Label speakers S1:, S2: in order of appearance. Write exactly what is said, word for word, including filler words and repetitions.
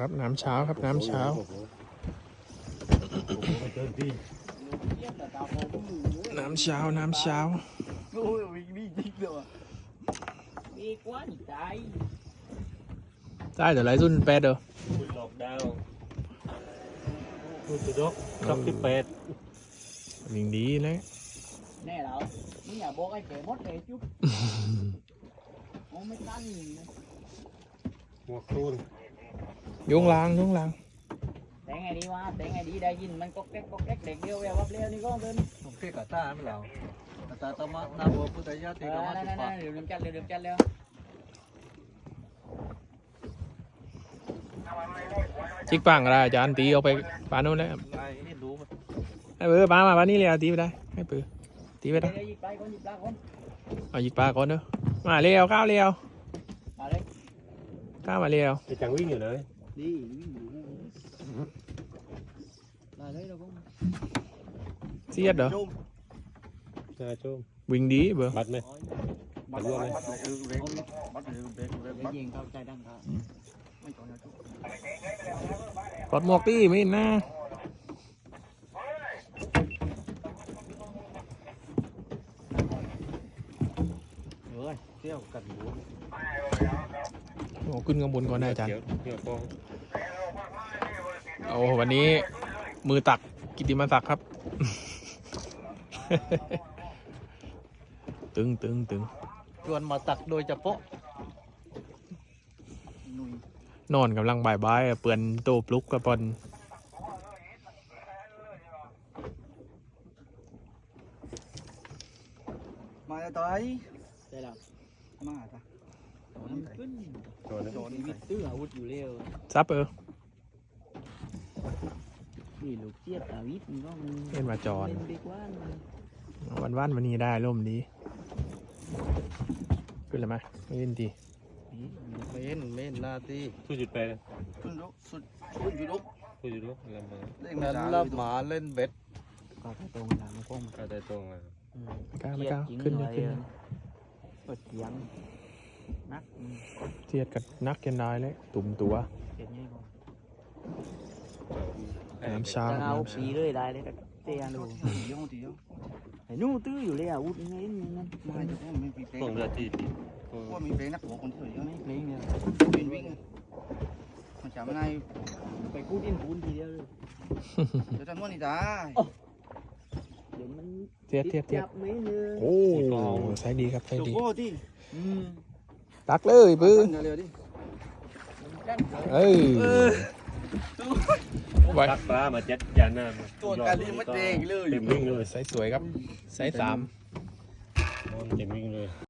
S1: ครับน้ำเช้าครับน้ำเช้าน้ำเช้าน้ำเช้า
S2: โอ้ยมีจริงเลยมีกวนใจ
S1: ได้แต่ไรรุ่นแปดเด้อ
S3: คุณหลอกดาวคุณสุดกครับที่แปด
S1: วิ่งดีเลย
S2: แน่แล้วนี่อย่าบอกไอ้แก่มดเลยจุ๊บโอ้ไม่ตั้ง
S3: หัวครูน
S1: ยุงลางยุงลาง
S2: แต่ไงดีวะแต่ไงดีได้ยินมันก็แก๊กก็แก๊กเด็กเดียวแวววับเลี้ยวนี่ก็เดิน
S4: ผมเรียกกับตาไม่เหล่าตาตมาหน้าบัวพุทธญาติก็มาติดปาก
S2: เดี๋ยวเดิมจัดเดี๋ยวเดิมจัดแล้ว
S1: จิกปังอะไรอาจารย์ตีเอาไปปาโน่นแล้ว
S4: ไอ้นี่รู้
S1: ให้เปือปามาปานี่เลยตีไปได้ให้เปือตีไปได้
S2: หยิบไปคนหยิบปลาคน
S1: เอาหยิบปลาก่อนเด้อมาเลี้ยวข้าวเลี้ยว
S2: มาเลย
S1: ข้าวมาเลี้ยว
S3: จะจังวิ่งอยู่เลย
S2: ดีวิ่งอยู่มาเลยเราก็
S1: เสียดเหรอ
S3: ใช่ชม
S1: วิ่งดีเบอร์
S3: บัดไหมบัดเยอะไหม
S2: บัดยิงเข้าใจดังครับไม่ต่อนะ
S1: ปลดหมวกตีไม่น่า
S4: เฮ้ยเที่ยวกันหมู
S1: โอ้ขึ้นข้างบนก่อนนะอาจารย์โอ้วันนี้มือตักกิติมศักดิ์ครับ ตึงตึงตึง
S4: ชวนมาตักโดยเฉพาะ
S1: นอนกำลังบ่ายบ่ายเปื่อนโตปลุกกระปอน
S4: มาจะต่อย
S2: ใช่แล้ว
S4: มาจ้ะ
S2: ขึ้นโดนวิทย์ตื้ออาวุธอยู่เร็ว
S1: ซับเออ
S2: นี่ลูกเจี๊ยบอาวิทย์มันก็
S1: เล่นมาจอน
S2: เล่นไปกว่า
S1: วันวันวันนี้ได้ร่มดีขึ้นเลยไหมไม่เล่นดี
S4: ไม่เห็นไม่เห็นนาที
S3: สุดจุดแปด
S4: สุดลุกสุดสุดลุก
S3: สุดจุดลุกลำมา
S4: เล่นลับหมาเล่นเบ็ด
S2: ก็ไปตรงหลังก้ม
S3: ก็ได้ตรงเลย
S1: ก้าวไม่ก้าวขึ้นเลยขึ้นเลย
S2: เปิดเสียงนัก
S1: เทียดกับนักยันได้เลยตุ่มตัวน้ำชา
S2: เอาปีเลยได้เลยเตียนูไอ้นู่ตื้ออยู่เลยอ่ะวุ้นไงนี่นั่น
S4: ไม่จะพูดไม่ปีเป้
S3: ตรงเรือที่
S4: ว่ามีเป้นักหัวคนที่อยู่
S2: ไม่เพลงเนี่ย
S4: วิ่งวิ่งมันจะไม่ได้
S2: ไปกู้ดินปูนทีเดียวเลย
S4: เดี๋ยวจะม้วนนี่จ้า
S2: เดี๋ยวมัน
S1: เทียดเทียดเทียดโอ้ใช้ดีครับใช้ดีตักเลยปื้อเอ้ย
S3: ตักปลามาเจ็ดยานหน้า
S4: ตัวการที่มันเด้งเลย
S3: เต็มวิ่งเลย
S1: ไซส์สวยครับไซส์สาม
S3: เต็มวิ่งเลย